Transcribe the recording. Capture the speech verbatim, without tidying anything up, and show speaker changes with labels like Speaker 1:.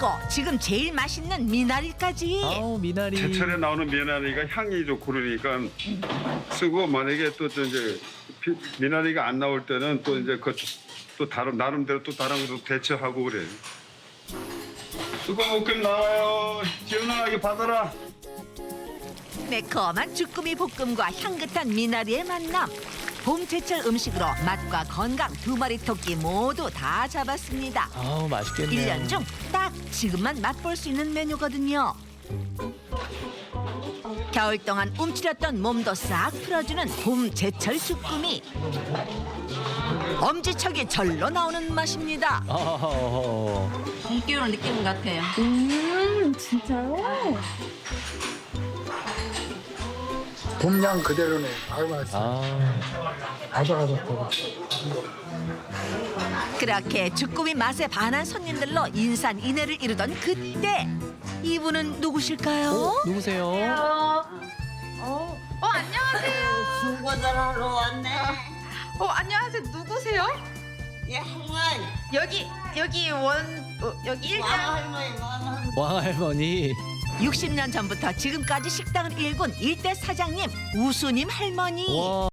Speaker 1: 그리고 지금 제일 맛있는 미나리까지.
Speaker 2: 아우 미나리.
Speaker 3: 제철에 나오는 미나리가 향이 좋고 그러니까 쓰고 만약에 또 이제 피- 미나리가 안 나올 때는 또 이제 그 또 다른 나름대로 또 다른 것도 대처하고 그래. 쓰고 볶음 나와요. 지은아 이거 받아라.
Speaker 1: 매콤한 주꾸미 볶음과 향긋한 미나리의 만남. 봄 제철 음식으로 맛과 건강 두 마리 토끼 모두 다 잡았습니다.
Speaker 2: 아우 맛있겠네요.
Speaker 1: 일 년 중 딱 지금만 맛볼 수 있는 메뉴거든요. 겨울 동안 움츠렸던 몸도 싹 풀어주는 봄 제철 주꾸미. 엄지척이 절로 나오는 맛입니다.
Speaker 2: 아우.
Speaker 4: 봄기운을 느끼는 것 같아요.
Speaker 5: 음, 진짜요?
Speaker 6: 봄양 그대로네. 아유 맛있어.
Speaker 2: 아.
Speaker 6: 아삭아삭하고.
Speaker 1: 그렇게 주꾸미 맛에 반한 손님들로 인산인해를 이루던 그때 이분은 누구실까요?
Speaker 2: 어, 누구세요?
Speaker 5: 어, 어 안녕하세요.
Speaker 7: 수고들하러 왔네.
Speaker 5: 어 안녕하세요. 누구세요?
Speaker 7: 예, 할머니.
Speaker 5: 여기 여기 원 어, 여기 일장.
Speaker 7: 할머니, 할머니.
Speaker 2: 왕할머니.
Speaker 1: 육십 년 전부터 지금까지 식당을 일군 일대 사장님 우수님 할머니.
Speaker 2: 와.